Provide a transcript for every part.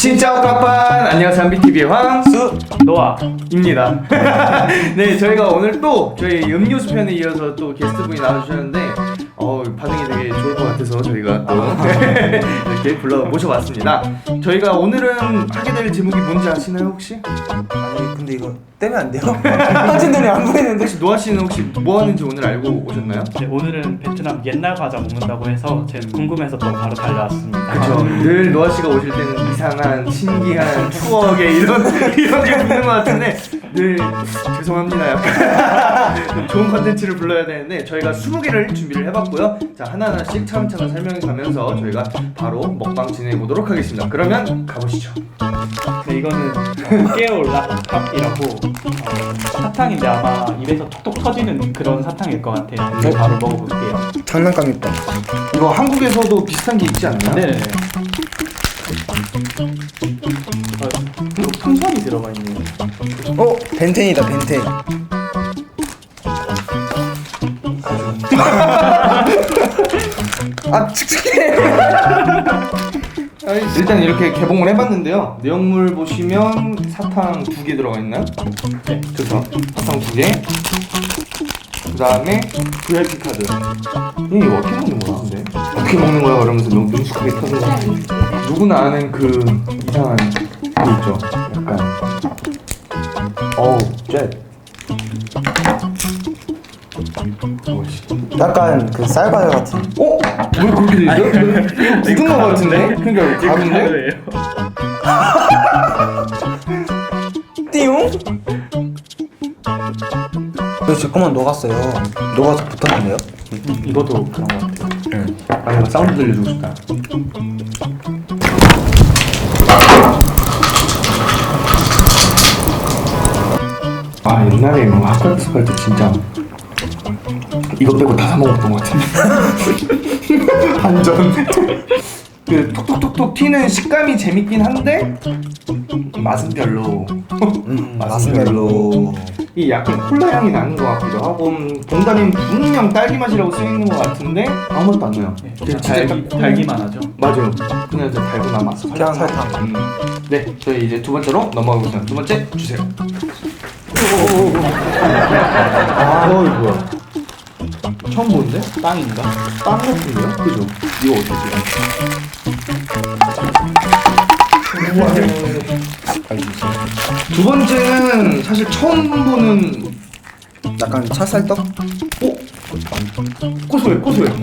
진짜 오카판! 안녕하세요, 한비TV의 황수 노아입니다. 네, 저희가 오늘 또 저희 음료수 편에 이어서 또 게스트분이 나와주셨는데 반응이 되게 좋을 것 같아서 저희가 또 이렇게 모셔봤습니다. 저희가 오늘은 하게 될 제목이 뭔지 아시나요, 혹시? 아니 근데 이거 떼면 안 돼요? 사진들이 안 보이는데. 혹시 노아 씨는 혹시 뭐 하는지 오늘 알고 오셨나요? 네, 오늘은 베트남 옛날 과자 먹는다고 해서 제가 궁금해서 또 바로 달려왔습니다. 그렇죠. 늘 노아 씨가 오실 때는 이상한 신기한 추억의 이런 게 붙는 것 같은데 늘 죄송합니다. 약간 좋은 컨텐츠를 불러야 되는데 저희가 20개를 준비를 해봤고요. 자, 하나하나씩 차근차근 설명해 가면서 저희가 바로 먹방 진행해 보도록 하겠습니다. 그러면 가보시죠. 네, 이거는 깨올라팝이라고 사탕인데 아마 입에서 톡톡 터지는 그런 사탕일 것 같아요. 이거 바로 먹어볼게요. 장난감 있다. 이거 한국에서도 비슷한 게 있지 않나요? 네네네. 풍선이 들어가 있네요. 벤텐이다 벤텐. 아 칙칙해. 일단 이렇게 개봉을 해봤는데요. 내용물 보시면 사탕 2개 들어가 있나요? 네. 그렇죠. 사탕 2개. 그 다음에 VIP 카드. 이거 어떻게 먹는 거야? 근데 어떻게 먹는 거야? 그러면서 너무 능숙하게 터진 거 같아. 누구나 아는 그 이상한 거 있죠. 약간 젯. 약간 그 쌀과자 같은. 왜 그렇게 돼 있어? 이거 굳은 거 같은데? 그러니까 가루인데? 띠용? 제 거만 녹았어요. 녹아서 붙었는데요? 이것도 그런 것 같아요. 아, 내가 사운드 들려주고 싶다. 아, 옛날에 뭐 학교 갈 때 진짜 이거 빼고 다 사 먹었던 것 같은데. 완전 그 톡톡톡톡 튀는 식감이 재밌긴 한데 맛은 별로. 맛은 별로. 이 약간 콜라 향이 나는 것 같기도 하고 봉다리는 분명 딸기 맛이라고 쓰여있는 것 같은데 아무 맛도 안 나요. 네, 달기만 하죠. 맞아요. 그냥 저 달고나 맛. 그냥 설탕. 네, 저희 이제 두 번째로 넘어가겠습니다. 두 번째 주세요. 이거야. 처음 보는데? 빵인가? 빵 같은데요? 그죠? 이거 어떻게 두 번째는 사실 처음 보는 약간 찹쌀떡? 고소해.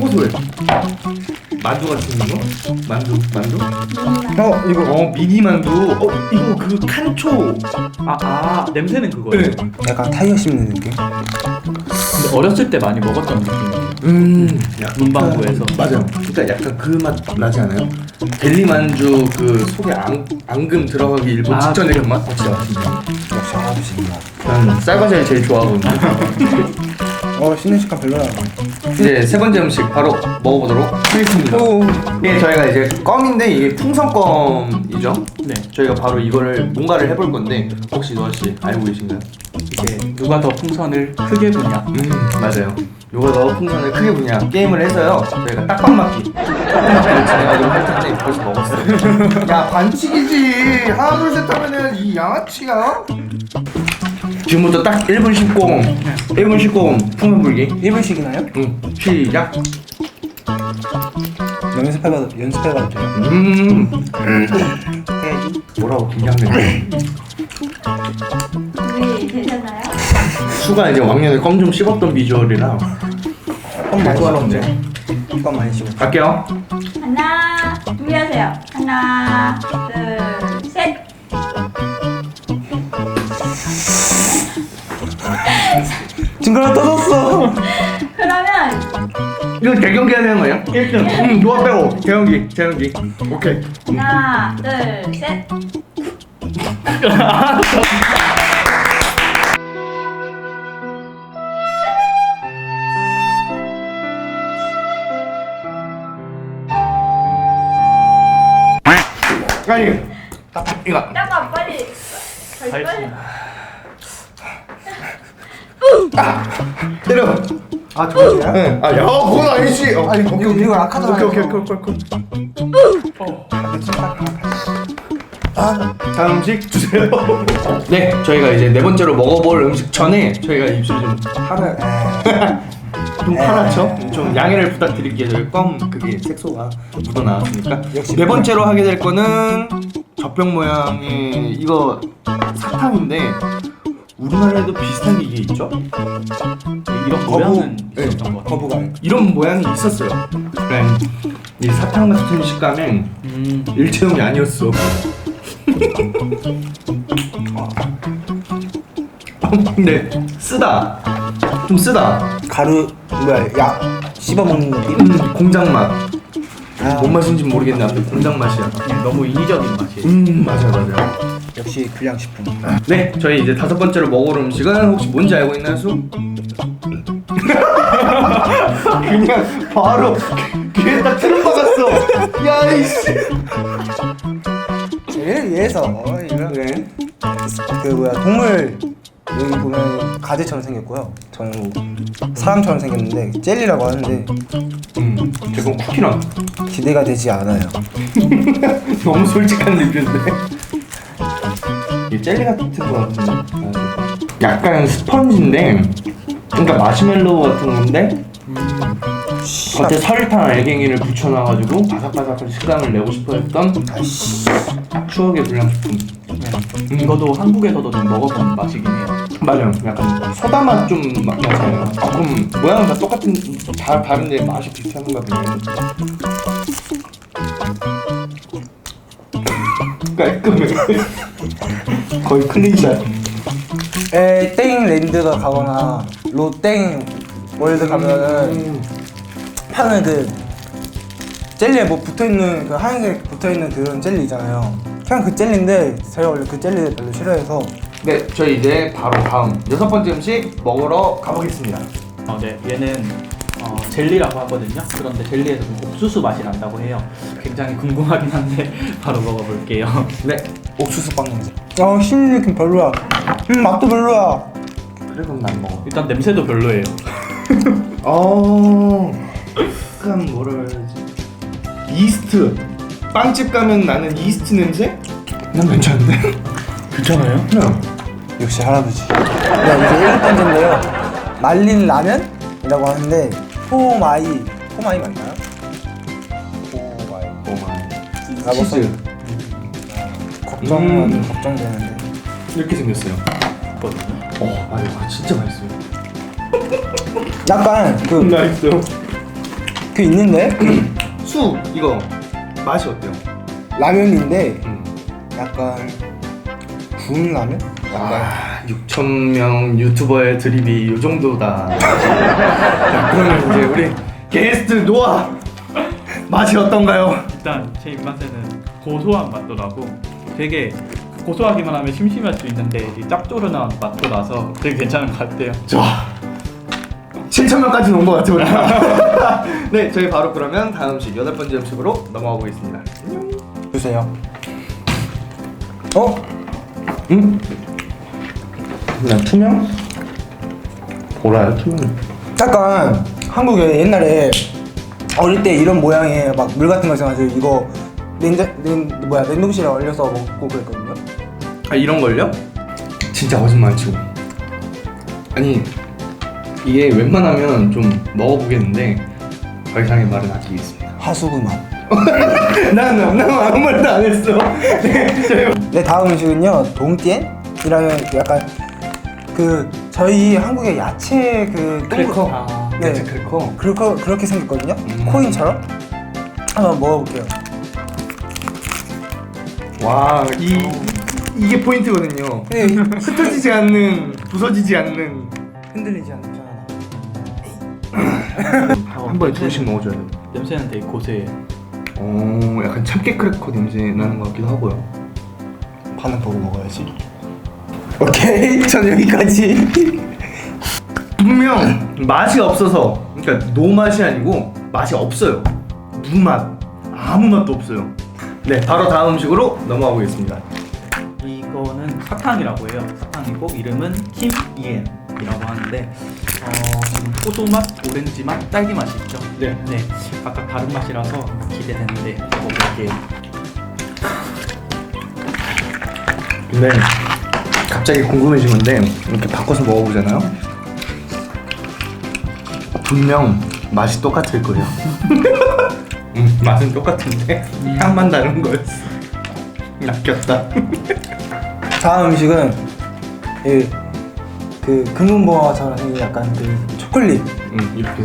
만두 같은 거? 만두? 이거 미니 만두. 이거 그 칸초. 냄새는 그거예요. 네. 약간 타이어 씹는 느낌? 근데 어렸을 때 많이 먹었던 느낌이에요. 문방구에서. 맞아요. 그러니까 약간 그 맛 나지 않아요? 델리 만주 그 속에 앙금 들어가기 일본 직전에 그 맛? 진짜 맛있네. 역시 아저씨구나. 난 쌀과자를 제일 좋아하거든요. 씹는 식감 별로야. 이제 세 번째 음식 바로 먹어보도록 하겠습니다. 네, 저희가 이제 껌인데 이게 풍선껌이죠. 네. 저희가 바로 이거를 뭔가를 해볼 건데 혹시 노아 씨 알고 계신가요? 이게 누가 더 풍선을 크게 부냐. 맞아요. 요거 더 풍선을 크게 부냐 게임을 해서요. 저희가 딱밤 맞기 진행하도록 할 텐데 벌써 먹었어요. 야, 반칙이지. 하나 둘 셋 하면은 이 양아치가. 지금부터 딱 1분 10 풍선 불기. 1분씩이나요? 응, 시작. 연습해봐도 돼요? 해야지. 뭐라고 긴장되네. 되셨나요? 수가 이제 왕년에 껌 좀 씹었던 비주얼이라 껌 많이 좋아하는데. 씹었네. 껌 많이 씹었어. 갈게요. 하나, 준비하세요. 하나, 둘, 셋. 징그러 떠졌어. 그러면 이거 대경기 해야 되는 거예요? 1등. 노아 빼고 대경기. 오케이. 하나, 둘, 셋. 아니, 이거. 잠깐 빨리. 빨리. 때려. 저거야? 응. 야, 그건 아니지. 아니, 이거 아까도 오케이. 아, 다음 음식 주세요. 네, 저희가 이제 네 번째로 먹어볼 음식 전에 저희가 입술이 좀 좀 파랗죠? 좀 양해를 부탁드릴게요. 저희 껌 그게 색소가 묻어 나왔으니까. 역시 네 번째로 하게 될 거는 젖병 모양의 이거 사탕인데 우리나라에도 비슷한 게 이게 있죠? 이런 모양은 있었던 것 같아요. 거부감. 이런 모양이 있었어요. 그래, 이 사탕 같은 식감엔 일체형이 아니었어. 근데 쓰다. 좀 쓰다. 가루 뭐야 약 씹어먹는 느낌? 공장 맛. 아, 뭔 맛인지 모르겠는데 아무튼 공장 맛이야. 너무 인위적인 맛이에요. 맞아요. 역시 불량식품. 네, 저희 이제 다섯 번째로 먹을 음식은 혹시 뭔지 알고 있나요, 수? 그냥 바로 귀에 딱 틀어 박았어. 야 이씨. 쟤를 위해서 이런 네. 그 뭐야 동물 여기 보면 가지처럼 생겼고요. 저는 뭐 사람처럼 생겼는데 젤리라고 하는데 그건 쿠키랑 기대가 되지 않아요. 너무 솔직한 리뷰인데. 이 젤리 같은 거 같은데. 약간 스펀지인데, 그러니까 마시멜로우 같은 건데 겉에 설탕 알갱이를 붙여놔가지고 바삭바삭한 식감을 내고 싶어했던 추억의 불량식품. 이거도 한국에서도 좀 먹어본 맛이긴 해요. 맞아요. 약간 소다 맛 좀 나잖아요. 그럼 모양은 다 똑같은 다 다른데 맛이 비슷한가 보네. 깔끔해. 거의 클린샷. 땡 랜드가 가거나 롯땡 월드 가면은 파는 그 젤리에 뭐 붙어있는 그 하얀색 붙어있는 그런 젤리 있잖아요. 그냥 그 젤리인데 제가 원래 그 젤리를 별로 싫어해서. 네, 저희 이제 바로 다음 여섯 번째 음식 먹으러 가보겠습니다. 네, 얘는 젤리라고 하거든요. 그런데 젤리에서 좀 옥수수 맛이 난다고 해요. 굉장히 궁금하긴 한데 바로 먹어볼게요. 네, 옥수수 빵 냄새. 씹는 느낌 별로야. 맛도 별로야. 그래 그럼 난 먹어. 일단 냄새도 별로예요. 약간 뭐라 해야지? 이스트. 빵집 가면 나는 이스트 냄새? 난 괜찮은데? 괜찮아요? 그냥 역시 할아버지. 네, 이제 일곱 번째인데요. 말린 라면이라고 하는데 포마이 맞나요? 포마이. 치즈 걱정되는데. 이렇게 생겼어요. 있거든요. 맞아, 이거 진짜 맛있어요. 약간 맛있어. 그 있는데 수 이거 맛이 어때요? 라면인데 약간 구운 라면? 약간 6,000명 유튜버의 드립이 요 정도다. 자, 그러면 이제 우리 게스트 노아 맛이 어떤가요? 일단 제 입맛에는 고소한 맛도 나고 되게 고소하기만 하면 심심할 수 있는데 이 짭조름한 맛도 나서 되게 괜찮은 것 같아요. 좋아. 7,000명까지 온 것 같아요. 우리. 네, 저희 바로 그러면 다음 음식 여덟 번째 음식으로 넘어가 보겠습니다. 주세요. 응? 그냥 투명? 보라요 투명. 약간 한국에 옛날에 어릴 때 이런 모양의 막 물 같은 거 있어가지고 이거 냉동실에 얼려서 먹고 그랬거든요. 이런 걸요? 진짜 거짓말 치고. 아니 이게 웬만하면 좀 먹어보겠는데 더 이상의 말은 아끼겠습니다. 하수구 맛. 난 아무 말도 안 했어. 네, 다음 음식은요 동띠엔이라는 약간 그 저희 한국의 야채 그 크래커. 네, 야채 크래커. 그렇게 생겼거든요. 코인처럼. 한번 먹어볼게요. 와, 이게 포인트거든요. 네. 흩어지지 않는, 부서지지 않는. 흔들리지 않잖아. 한 번에 둘씩 먹어줘야 돼. 냄새는 되게 고소해요. 약간 참깨 크래커 냄새 나는 것 같기도 하고요. 반응 보고 먹어야지. 오케이, 전 여기까지. 분명 맛이 없어서, 그러니까 노 맛이 아니고 맛이 없어요. 무맛, 아무 맛도 없어요. 네, 바로 다음 음식으로 넘어가 보겠습니다. 이거는 사탕이라고 해요. 사탕이고 이름은 킴이엔이라고 하는데 포도 맛, 오렌지 맛, 딸기 맛이 있죠. 네. 각각 다른 맛이라서 기대되는데 먹어볼게요. 근데 갑자기 궁금해진 건데 이렇게 바꿔서 먹어보잖아요. 분명 맛이 똑같을 거예요. 맛은 똑같은데 향만 다른 거였어. 낚였다. 다음 음식은 그 금은보화처럼 생긴 약간 그 초콜릿 이렇게.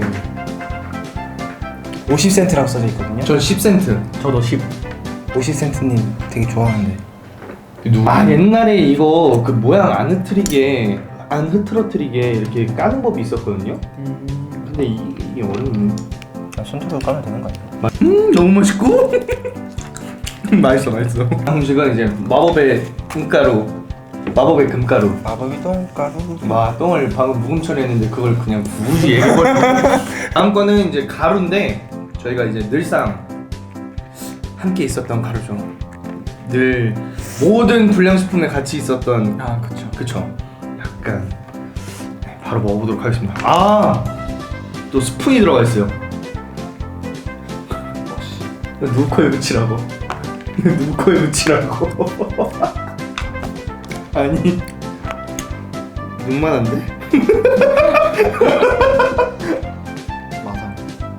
50센트라고 써져 있거든요. 전 10센트. 저도 10. 50센트님 되게 좋아하는데. 아 옛날에 이거 그 모양 안 흐트러뜨리게 이렇게 까는 법이 있었거든요. 근데 이게 어렵네. 손톱으로 까면 되는 거 아니야? 너무 맛있고 맛있어. 다음 음식은 이제 마법의 금가루. 마법의 금가루. 마법이 똥가루. 똥을 방금 묵음 처리했는데 그걸 그냥 굳이 얘기해버리고. 다음 거는 이제 가루인데 저희가 이제 늘상 함께 있었던 가루죠. 늘 모든 불량식품에 같이 있었던. 아 그쵸. 약간 바로 먹어보도록 하겠습니다. 아! 또 스푼이 들어가 있어요. 누구 코에 묻히라고. 누구 코에 묻히라고. 아니 눈만한데? 맞아.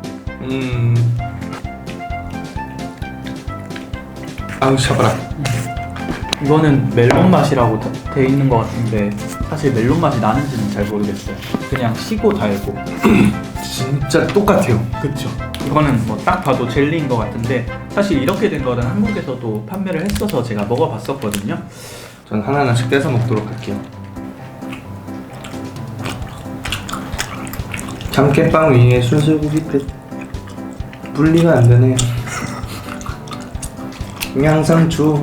아우 샤바라. 이거는 멜론 맛이라고 돼 있는 것 같은데 사실 멜론 맛이 나는지는 잘 모르겠어요. 그냥 시고 달고. 진짜 똑같아요. 그쵸. 이거는 뭐 딱 봐도 젤리인 것 같은데 사실 이렇게 된 거는 한국에서도 판매를 했어서 제가 먹어봤었거든요. 전 하나하나씩 떼서 먹도록 할게요. 참깨빵 위에 순수고기 끝. 분리가 안 되네. 양상추.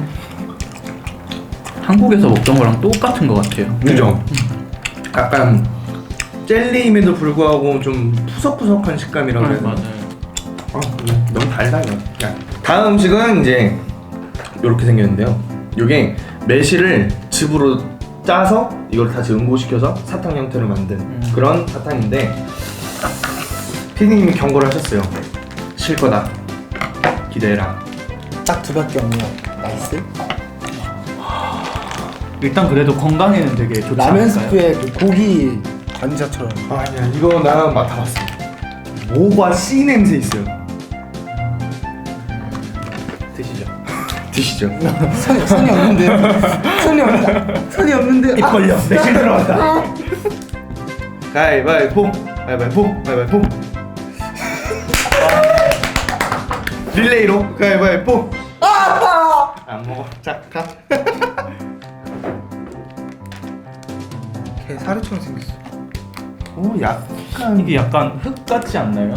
한국에서 먹던 거랑 똑같은 것 같아요. 그죠? 약간 젤리임에도 불구하고 좀 푸석푸석한 식감이라고 해야 되나? 맞아요. 너무 달다 이거. 다음 음식은 이제 이렇게 생겼는데요. 이게 매실을 즙으로 짜서 이걸 다시 응고시켜서 사탕 형태로 만든 그런 사탕인데 피디님이 경고를 하셨어요. 실 거다. 기대해라. 딱 두 밖에 없네요. 나이스. 일단 그래도 건강에는 되게 좋지 라면 않을까요? 스프에 그 고기 관자처럼. 아니야 이거 나 맡아봤어. 모과 씨 냄새 있어요. 드시죠. 드시죠. 선이 없는데요. 선이 없는데. 입 벌려. 매실 들어간다. 가위바위보. 가위바위보. 릴레이로 가위바위보. 안 먹어. 자 가. 개 사료처럼 생겼어. 오 약간 이게 약간 흙 같지 않나요?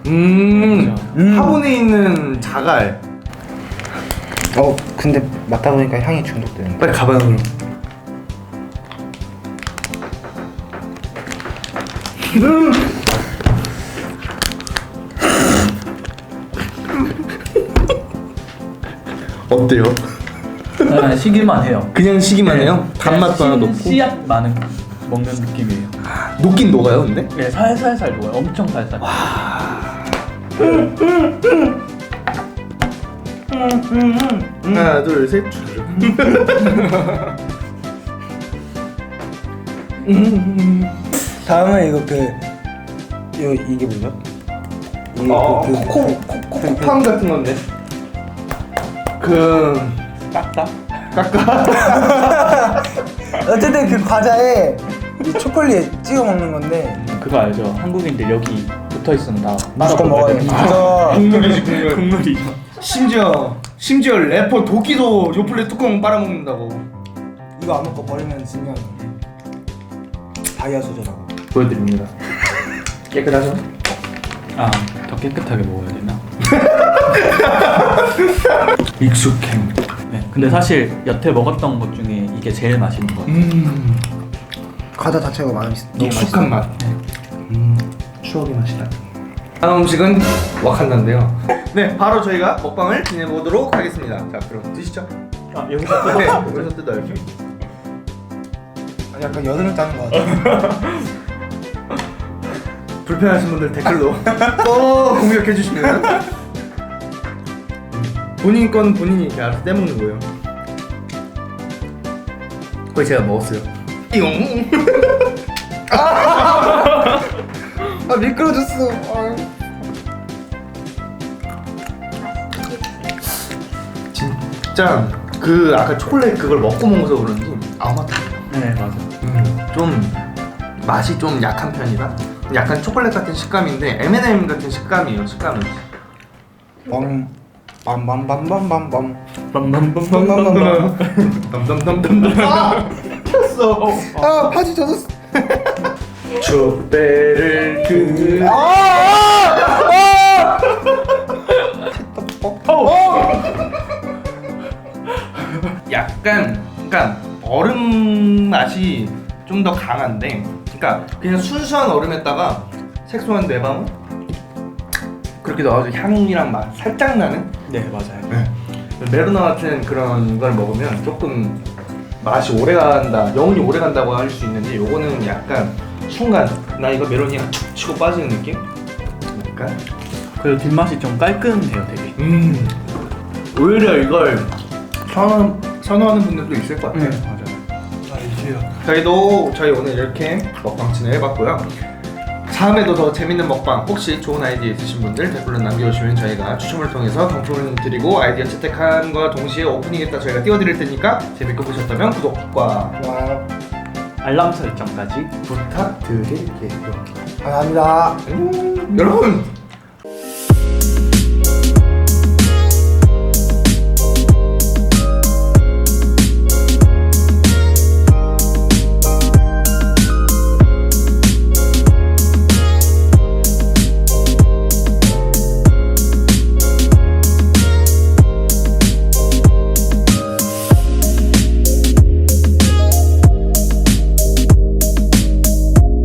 화분에 있는 자갈. 근데 맡다 보니까 향이 중독되는. 빨리 가봐요 그럼. 어때요? 네, 시기만 해요. 그냥 시기만 해요? 단맛도 하나 넣고? 씨앗 많은 먹는 느낌이에요. 녹긴 녹아요 근데? 네, 살살살 녹아요. 엄청 살살. 하나 둘 셋. 다음은 이게 뭐죠? 이게 코코팜 같은 건데. 깎다? 어쨌든 그 과자에 이 초콜릿 찍어 먹는 건데 그거 알죠? 한국인들 여기 붙어 있으면 다 무조건 먹어야 돼. 국물이지 국물. 국물이죠. 심지어 래퍼 도끼도 요플레 뚜껑 빨아먹는다고. 이거 안 먹고 버리면 진짜 다이아 소재라고. 보여드립니다. 깨끗하죠? 아, 더 깨끗하게 먹어야 되나? 익숙행. 네. 근데 사실 여태 먹었던 것 중에 이게 제일 맛있는 것 같아요. 과자 자체가 너무 익숙한 맛. 추억의 맛이다. 다음 음식은 와칸다인데요. 네, 바로 저희가 먹방을 진행해보도록 하겠습니다. 자, 그럼 드시죠. 아, 여기서 네, 여기서 뜯어요. 약간 여드름 짜는 것 같아. 불편하신 분들 댓글로 또 공격해 주시면 본인 건 본인이 이렇게 알아서 떼먹는 거예요. 거의 제가 먹었어요. 띠용. 아 미끄러졌어. 진짜 그 아까 초콜릿 그걸 먹고 먹어서 그런지 아무것도 네 맞아. 좀 맛이 좀 약한 편이라 약간 초콜릿 같은 식감인데 M&M 같은 식감이에요. 식감은. 빰빰빰빰빰빰. 빰빰빰빰빰빰. 덤덤덤덤덤. 아! 켰어. 아 바지 젖었어. 촛배를 그. 약간 그러니까 얼음 맛이 좀 더 강한데, 그러니까 그냥 순수한 얼음에다가 색소한 뇌방울 그렇게 넣어서 향이랑 맛 살짝 나는. 네 맞아요. 메로나 같은 그런 걸 먹으면 조금 맛이 오래 간다, 영혼이 오래 간다고 할 수 있는데 요거는 약간 순간 나 이거 메로니가 툭 치고 빠지는 느낌? 약간 그리고 뒷맛이 좀 깔끔해요 되게. 오히려 이걸 선호하는 분들도 있을 것 같아요. 맞아요. 저희 오늘 이렇게 먹방친을 해봤고요. 다음에도 더 재밌는 먹방, 혹시 좋은 아이디어 있으신 분들 댓글로 남겨주시면 저희가 추첨을 통해서 경품을 드리고 아이디어 채택함과 동시에 오프닝에다 저희가 띄워드릴 테니까 재밌게 보셨다면 구독과 알람 설정까지 부탁드릴게요. 감사합니다. 여러분